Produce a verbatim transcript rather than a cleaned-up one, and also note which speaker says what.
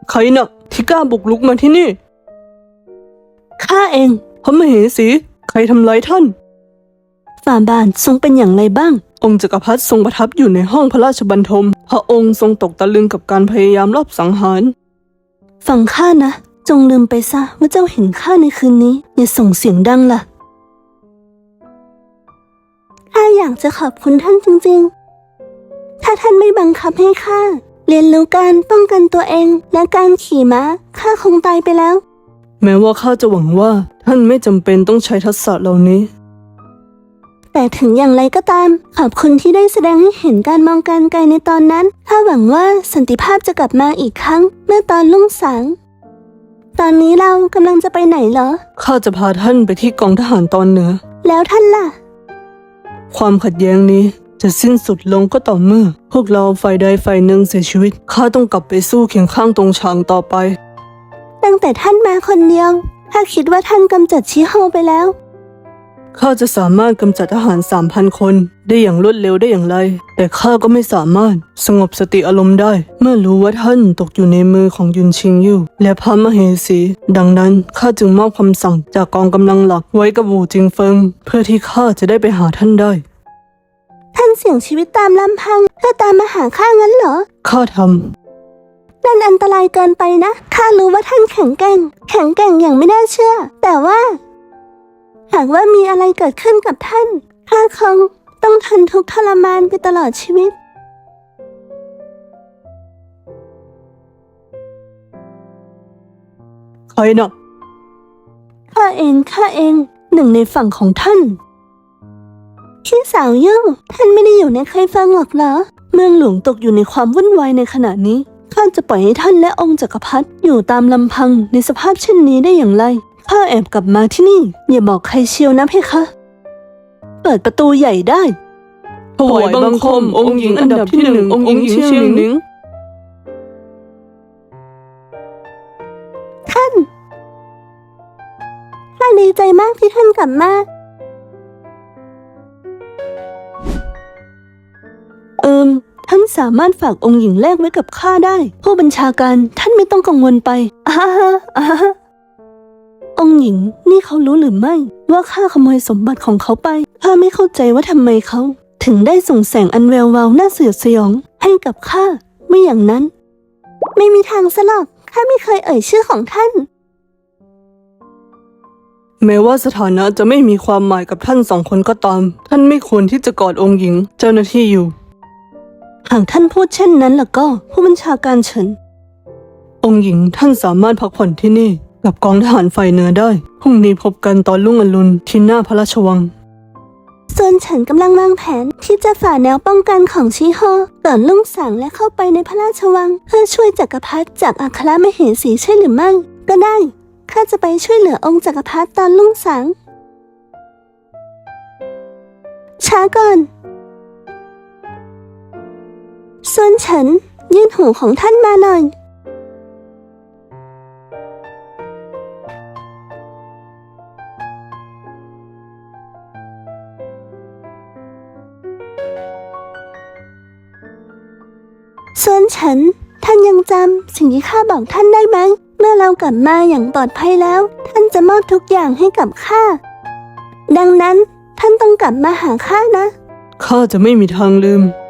Speaker 1: ใครน่ะที่กล้าบุกลุกมาที่นี่ข้าเองพระมเหสีใครทำร้ายท่านฝ่าบาททรงเป็นอย่างไรบ้างองค์จักรพรรดิทรงประทับอยู่ในห้องพระราชบรรทมพระองค์ทรงตกตะลึงกับการพยายามลอบสังหารฟังข้านะจงลืมไปซะว่าเจ้าเห็นข้าในคืนนี้อย่าส่งเสียงดังล่ะข้าอยากจะขอบคุณท่านจริงๆถ้าท่านไม่บังคับให้ข้าเรียนรู้การป้องกันตัวเองและการขี่ม้าข้าคงตายไปแล้วแม้ว่าข้าจะหวังว่าท่านไม่จำเป็นต้องใช้ทักษะเหล่านี้แต่ถึงอย่างไรก็ตามขอบคุณที่ได้แสดงให้เห็นการมองการไกลในตอนนั้นข้าหวังว่าสันติภาพจะกลับมาอีกครั้งเมื่อตอนรุ่งสางตอนนี้เรากำลังจะไปไหนเหรอข้าจะพาท่านไปที่กองทหารตอนเหนือแล้วท่านล่ะความขัดแย้งนี้จะสิ้นสุดลงก็ต่อเมื่อพวกเราฝ่ายใดฝ่ายหนึ่งเสียชีวิตข้าต้องกลับไปสู้เคียงข้างตรงฉางต่อไปตั้งแต่ท่านมาคนเดียวข้าคิดว่าท่านกำจัดชิโฮไปแล้วข้าจะสามารถกำจัดทหารสามพันคนได้อย่างรวดเร็วได้อย่างไรแต่ข้าก็ไม่สามารถสงบสติอารมณ์ได้เมื่อรู้ว่าท่านตกอยู่ในมือของยุนชิงยู่และพระมเหสีดังนั้นข้าจึงมอบคำสั่งจากกองกำลังหลักไว้กับวูจิงเฟิงเพื่อที่ข้าจะได้ไปหาท่านได้ท่านเสี่ยงชีวิตตามลำพังเพื่อตามมาหาข้างั้นเหรอข้าทำนั่นอันตรายเกินไปนะข้ารู้ว่าท่านแข็งแกร่งแข็งแกร่งอย่างไม่น่าเชื่อแต่ว่าหากว่ามีอะไรเกิดขึ้นกับท่านข้าคงต้องทนทุกข์ทรมานไปตลอดชีวิตใครน่ะข้าเองข้าเองหนึ่งในฝั่งของท่านพี่สาวยุ่งท่านไม่ได้อยู่ในใครฟังหรอกเหรอเมืองหลวงตกอยู่ในความวุ่นวายในขณะนี้ข้าจะปล่อยให้ท่านและองค์จักรพรรดิอยู่ตามลำพังในสภาพเช่นนี้ได้อย่างไรข้าแอบกลับมาที่นี่อย่าบอกใครเชียวนะเพคะเปิดประตูใหญ่ได้ถวายบังคมองค์หญิงอันดับที่หนึ่งองค์หญิงเชียงหนิงท่านข้าดีใจมากที่ท่านกลับมาเอิมท่านสามารถฝากองค์หญิงแลกไว้กับข้าได้ผู้บัญชาการท่านไม่ต้องกังวลไปอ้าอ้าองค์หญิงนี่เขารู้หรือไม่ว่าข้าขโมยสมบัติของเขาไปข้าไม่เข้าใจว่าทำไมเขาถึงได้ส่งแสงอันแวววาวน่าสยดสยองให้กับข้าไม่อย่างนั้นไม่มีทางซะหรอกข้าไม่เคยเอ่ยชื่อของท่านแม้ว่าสถานะจะไม่มีความหมายกับท่านสองคนก็ตามท่านไม่ควรที่จะกอดองค์หญิงเจ้าหน้าที่อยู่หากท่านพูดเช่นนั้นล่ะก็ผู้บัญชาการเฉินองค์หญิงท่านสามารถพักผ่อนที่นี่กับกองทหารฝ่ายเหนือได้พรุ่งนี้พบกันตอนรุ่งอรุณที่หน้าพระราชวังส่วนฉันกำลังวางแผนที่จะฝ่าแนวป้องกันของชิโฮก่อนรุ่งสางและเข้าไปในพระราชวังเพื่อช่วยจักรพรรดิจากอัครมเหสีใช่หรือไม่ก็ได้ข้าจะไปช่วยเหลือองค์จักรพรรดิตอนรุ่งสางช้าก่อนส่วนฉันยื่นหูของท่านมาหน่อยส่วนฉันท่านยังจำสิ่งที่ข้าบอกท่านได้ไหมเมื่อเรากลับมาอย่างปลอดภัยแล้วท่านจะมอบทุกอย่างให้กับข้าดังนั้นท่านต้องกลับมาหาข้านะข้าจะไม่มีทางลืม